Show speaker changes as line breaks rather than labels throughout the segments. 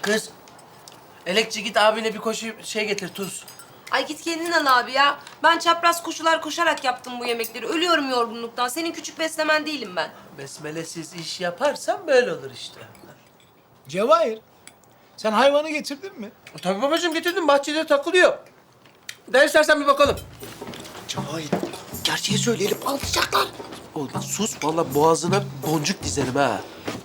Kız, Elekçi git abine bir koşu şey getir, tuz.
Ay git kendin al abi ya. Ben çapraz koşular koşarak yaptım bu yemekleri. Ölüyorum yorgunluktan. Senin küçük beslemen değilim ben.
Besmelesiz iş yaparsan böyle olur işte.
Cevahir, sen hayvanı getirdin mi?
Tabii babacığım getirdim, bahçede takılıyor. Gel istersen bir bakalım.
Cevahir, gerçeği söyleyelim, alacaklar.
Oğlum bak sus, vallahi boğazına boncuk dizerim ha.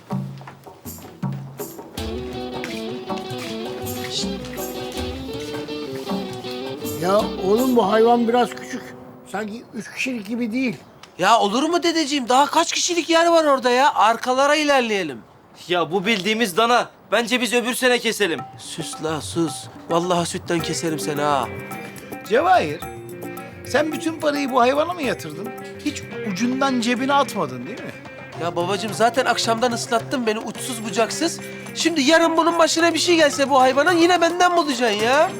Ya oğlum bu hayvan biraz küçük. Sanki 3 kişilik gibi değil.
Ya olur mu dedeciğim? Daha kaç kişilik yer var orada ya? Arkalara ilerleyelim.
Ya bu bildiğimiz dana. Bence biz öbür sene keselim.
Sus la sus. Vallahi sütten keserim seni ha.
Cevahir, sen bütün parayı bu hayvana mı yatırdın? Hiç ucundan cebine atmadın değil mi?
Ya babacığım zaten akşamdan ıslattın beni uçsuz bucaksız. Şimdi yarın bunun başına bir şey gelse bu hayvanın yine benden bulacaksın ya.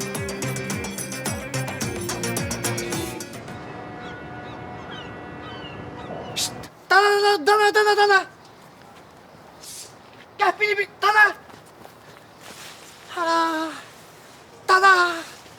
Dana. Gel beni bir dana. Dana.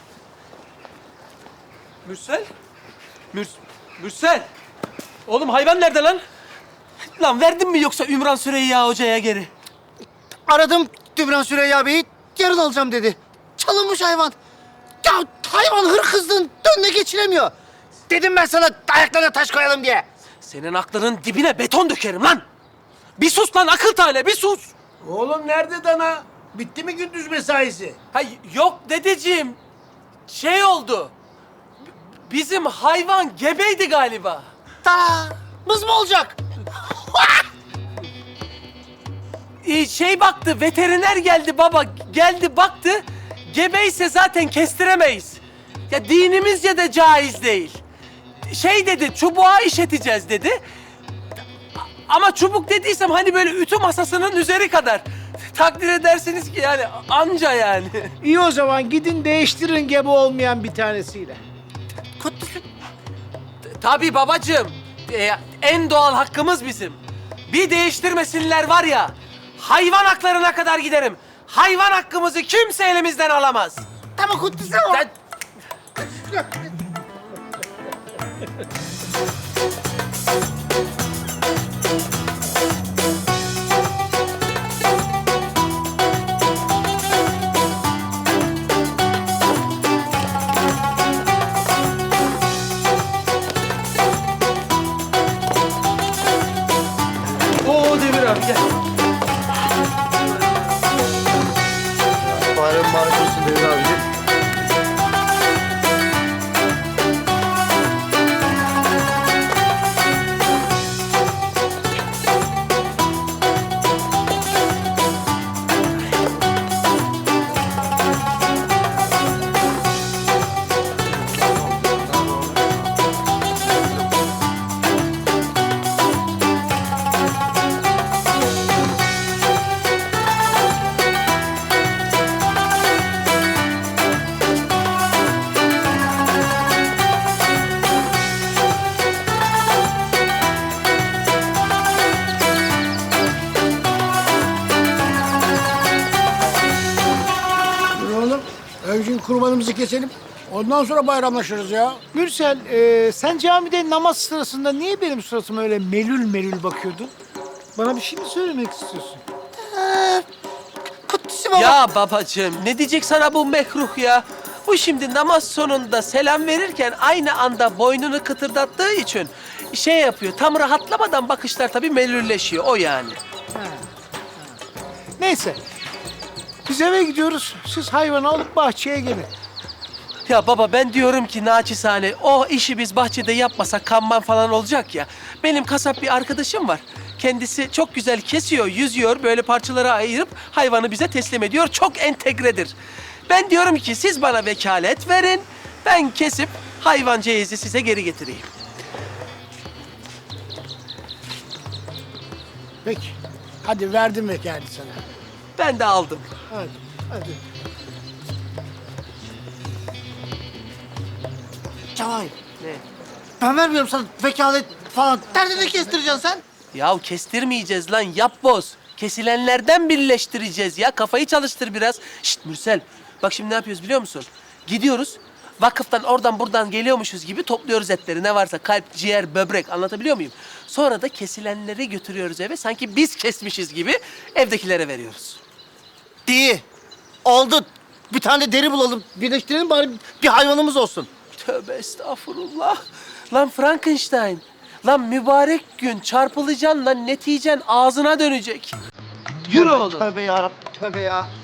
Mürsel? Mürsel! Oğlum hayvan nerede lan? Lan verdin mi yoksa Ümran Süreyya Hoca'ya geri?
Aradım Dümran Süreyya Bey'i. Yarın alacağım dedi. Çalınmış hayvan. Ya hayvan hırkızlığın önüne geçilemiyor. Dedim ben sana ayaklarına taş koyalım diye.
Senin aklının dibine beton dökerim lan! Bir sus lan akıl tale, bir sus!
Oğlum nerede dana? Bitti mi gündüz mesaisi?
Ha yok dedeciğim. Şey oldu. Bizim hayvan gebeydi galiba.
Dana. Mız mı olacak?
Şey baktı, veteriner geldi baba. Geldi baktı. Gebeyse zaten kestiremeyiz. Ya dinimizce de caiz değil. Şey dedi, çubuğa işeteceğiz dedi. Ama çubuk dediysem hani böyle ütü masasının üzeri kadar. Takdir edersiniz ki yani anca yani.
İyi o zaman gidin değiştirin gebe olmayan bir tanesiyle.
Tabii babacığım. En doğal hakkımız bizim. Bir değiştirmesinler var ya, hayvan haklarına kadar giderim. Hayvan hakkımızı kimse elimizden alamaz.
Tamam kutlusu o.
Ben- Oo Demir abi gel.
Bayram mübarek olsun Devir abicim. Dur oğlum. Önce kurbanımızı keselim. Ondan sonra bayramlaşırız ya.
Mürsel, sen camide namaz sırasında niye benim suratıma öyle melül melül bakıyordun? Bana bir şey mi söylemek istiyorsun?
Kutlusu baba.
Ya babacığım ne diyecek sana bu mekruh ya? Bu şimdi namaz sonunda selam verirken aynı anda boynunu kıtırdattığı için şey yapıyor. Tam rahatlamadan bakışlar tabii melülleşiyor o yani.
Neyse, biz eve gidiyoruz. Siz hayvanı alıp bahçeye gelin.
Ya baba ben diyorum ki naçizane o işi biz bahçede yapmasak kanman falan olacak ya. Benim kasap bir arkadaşım var. Kendisi çok güzel kesiyor, yüzüyor, böyle parçalara ayırıp hayvanı bize teslim ediyor. Çok entegredir. Ben diyorum ki siz bana vekalet verin. Ben kesip hayvan ceyizi size geri getireyim.
Peki. Hadi verdim vekalet sana.
Ben de aldım.
Hadi. Hadi. Cevahir.
Ne?
Ben vermiyorum sana vekalet falan. Derdini kestireceksin sen.
Ya kestirmeyeceğiz lan yapboz. Kesilenlerden birleştireceğiz ya. Kafayı çalıştır biraz. Şşt Mürsel. Bak şimdi ne yapıyoruz biliyor musun? Gidiyoruz. Vakıftan oradan buradan geliyormuşuz gibi topluyoruz etleri. Ne varsa kalp, ciğer, böbrek anlatabiliyor muyum? Sonra da kesilenleri götürüyoruz eve. Sanki biz kesmişiz gibi evdekilere veriyoruz.
İyi. Oldu. Bir tane de deri bulalım. Birleştirelim bari bir hayvanımız olsun.
Tövbe estağfurullah. Lan Frankenstein. Lan mübarek gün çarpılacaksın lan neticen ağzına dönecek. Yürü oğlum.
Tövbe yarabbim, tövbe ya.